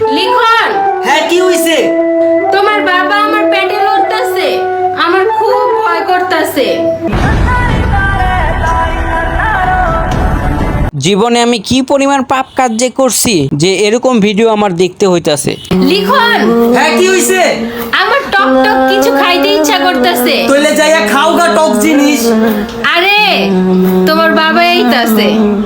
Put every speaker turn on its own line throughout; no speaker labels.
লিখন।
হ্যাঁ কি হইছে?
তোমার বাবা আমার পেটে লড়তাছে, আমার খুব ভয় করতাছে।
জীবনে আমি কি পরিমাণ পাপ কাজ যে করছি যে এরকম ভিডিও আমার দেখতে হইতাছে।
লিখন,
হ্যাঁ কি হইছে?
আমার টক টক কিছু খাইতে ইচ্ছা করতেছে।
তইলে যাইয়া খাও গা টক জিনিস।
আরে তোমার বাবা এইতাছে।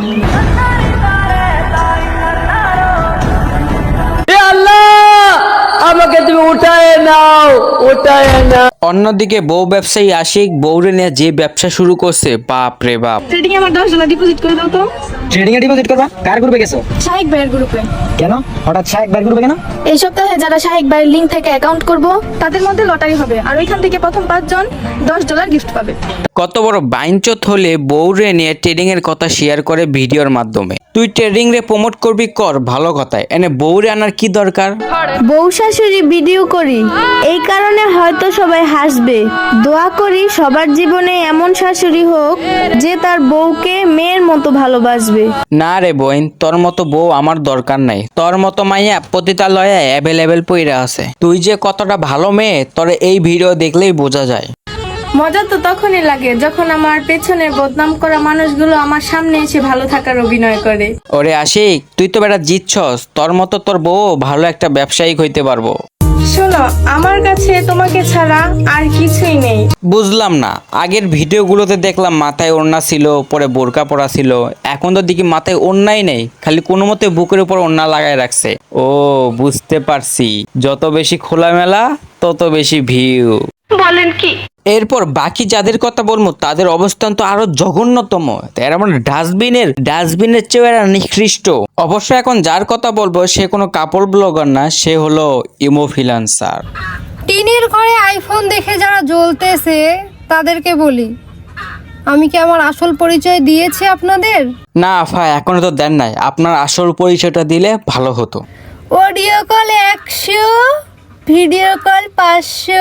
আমাকে তুমি উঠায় নাও, উঠায় নাও।
অন্যদিকে বউ ব্যবসায়ী আশিক বউরে নিয়ে যে ব্যবসা শুরু করছে, বাপ রে বাপ।
ট্রেডিং এ আমার $10 ডিপোজিট করে দাও তো।
ট্রেডিং এ ডিপোজিট করবা? কার গ্রুপে গেছো?
শাহিক ভাইয়ের গ্রুপে।
কেন হঠাৎ শাহেক ভাই গ্রুপে কেন?
এই সপ্তাহে যারা শাহিক ভাইয়ের লিংক থেকে অ্যাকাউন্ট করব তাদের মধ্যে লটারি হবে আর ওইখান থেকে প্রথম 5 জন $10 গিফট পাবে।
কত বড় বাইনচোত হলে বউরে নিয়ে ট্রেডিং এর কথা শেয়ার করে ভিডিওর মাধ্যমে। তুই ট্রেডিং রে প্রমোট করবি কর, ভালো কথায়, এনে বউরে আনার কি দরকার?
বউ শাশুড়ি ভিডিও করি, এই কারণে হয়তো সবাই হাসবে। দোয়া করি সবার জীবনে এমন শাশুড়ি হোক যে তার বউকে মেয়ের মতো ভালোবাসবে।
না রে বোন, তোর মতো বউ আমার দরকার নাই। তোর মতো মাইয়া পতিতালয়ে অ্যাভেলেবেল পইরা আছে। তুই যে কতটা ভালো মেয়ে তোর এই ভিডিও দেখলেই বোঝা যায়।
মজা তো তখনই লাগে যখন আমার পেছনে বদনাম করা মানুষগুলো আমার সামনে এসে ভালো থাকার অভিনয় করে।
ওরে আশিক, তুই তো বেটা জিতছস, তোর মতো তোর বউ ভালো একটা ব্যবসায়িক হইতে পারবো।
শোনো, আমার কাছে তোমাকে ছাড়া আর কিছুই নেই।
বুঝলাম না, আগের ভিডিওগুলোতে দেখলাম মাথায় ওড়না ছিল, পরে বোরকা পরা ছিল, এখন তো দেখি মাথায় ওড়নাই নেই, খালি কোনো মতে বুকের উপর ওড়না লাগায় রাখছে। ও বুঝতে পারছি, যত বেশি খোলামেলা তত বেশি ভিউ।
বলেন কি?
এরপর বাকি যাদের কথা বলবো তাদের অবস্থান তো আরো জঘন্যতম। এরা মানে ডাস্টবিনের চেয়ে এরা নিকৃষ্ট। অবশ্য এখন যার কথা বলবো সে কোনো কাপড় ব্লগার না, সে হলো ইমোফিলান্সার।
টিনের ঘরে আইফোন দেখে যারা জ্বলতেছে তাদেরকে বলি, আমি কি আমার আসল পরিচয় দিয়েছি আপনাদের?
না আফা, এখনো তো দেন নাই, আপনার আসল পরিচয়টা দিলে ভালো হতো।
Audio call 100, video call 500।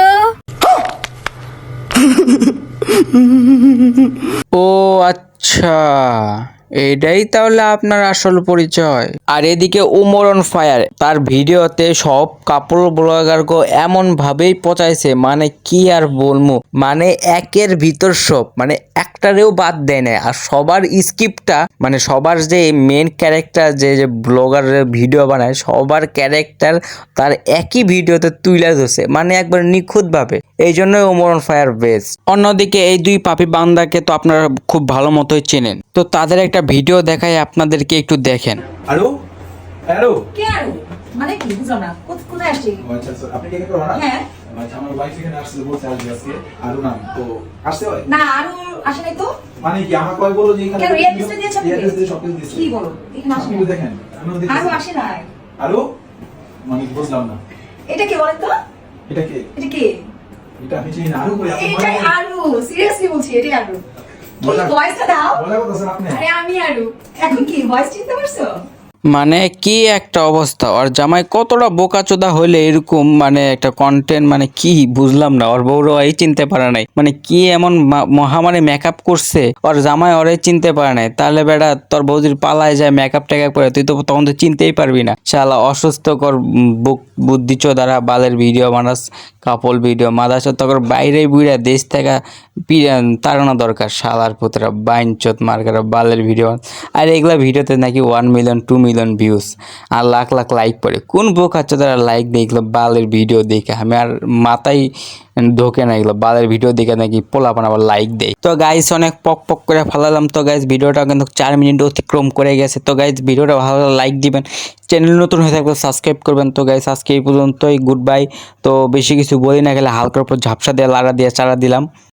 ও আচ্ছা, এটাই তাহলে আপনার আসল পরিচয়। আর এদিকে উমর অন ফায়ার, তার ভিডিওতে সব কাপড় ব্লগারকে এমন ভাবেই পচাইছে, মানে কি আর বলবো, মানে একের ভিতর সব, মানে একটারেও বাদ দেয় না। আর সবার স্ক্রিপ্টটা, মানে সবার যে মেন ক্যারেক্টার যে ব্লগারের ভিডিও বানায়, সবার ক্যারেক্টার তার একই ভিডিওতে তুলে ধরছে, মানে একবার নিখুঁতভাবে। এই জন্যই উমর অন ফায়ার বেস্ট। অন্যদিকে এই দুই পাপি বান্দাকে তো আপনারা খুব ভালো মতোই চেনেন, তো তাদের একটা ভিডিও দেখাই আপনাদেরকে, একটু দেখেন।
হ্যালো হ্যালো
কে আরো মানে কি বুঝলাম না, কোথায় আসছি?
আচ্ছা আচ্ছা, আপনি কে করবেন না?
হ্যাঁ
আচ্ছা, আমার ওয়াইফ এখানে আসছে, বলছে আসবে আজকে। আরো নাম তো আসছে হয়
না, আরো আসে নাই তো।
মানে কি আমাকে কয় বলো যে এখানে
কেন এয়ারপিসটা দিয়েছে আপনি?
এয়ারপিস দিয়ে সবকিছু দিয়েছে।
কি বলো, এখানে আসে
আপনি
নাই।
দেখেন, আমিও
আরো
দেখেছি।
আসে নাই।
আরো মানে বুঝলাম না,
এটা কে বলেন তো?
এটা কে?
এটা কে?
এটা আমি চিনি না। আরো কই আপনি?
এটাই আরো, সিরিয়াসলি বলছি, এটাই আরো। কি
মজা-
ভয়েসটা দাও?
মজা করতেছেন আপনি?
আরে আমি আরো। এখন কি ভয়েস চিনতে পারছো?
মানে কি একটা অবস্থা, ওর জামাই কতটা বোকাচোদা হইলে এরকম মানে একটা কন্টেন্ট, মানে কি বুঝলাম না। ওর বউরা এই চিনতে পারে নাই, মানে কি এমন মহামারী মেকআপ করছে, ওর জামাই ওরে চিনতে পারে নাই। তাহলে বেটা তোর বৌদির পালায় যায় মেকআপ টেকআপ করে, তুই তো তখন তো চিনতেই পারবি না। শালা অসুস্থকর বুদ্ধি চোদারা বালের ভিডিও বানাস, কাপল ভিডিও মাদাস, তখন বাইরে বুড়া দেশ থেকে তাড়ানো দরকার। শালার পুতরা বাইনচোত মার্কারা বালের ভিডিও। আর এগুলা ভিডিওতে নাকি 1 মিলিয়ন 2 মিলিয়ন ভিউজ আর লাখ লাখ লাইক পড়ে। কোন বোকাচ্ছা তারা লাইক দেয় এগুলো বালের ভিডিও দেখে? আমি আর মাথায় ঢোকে না এগুলো বালের ভিডিও দেখে নাকি পোলাপান আবার লাইক দেয়। তো গাইস অনেক পক পক করে ফালালাম। তো গাইস ভিডিওটা কিন্তু 4 মিনিট অতিক্রম করে গেছে। তো গাইস ভিডিওটা ভালো লাইক দিবেন, চ্যানেল নতুন হয়ে থাকলে সাবস্ক্রাইব করবেন। তো গাইস আজকে এই পর্যন্তই, গুড বাই। তো বেশি কিছু বলি না, গেলে হালকার উপর ঝাপসা দিয়ে লাড়া দিয়ে চারা দিলাম।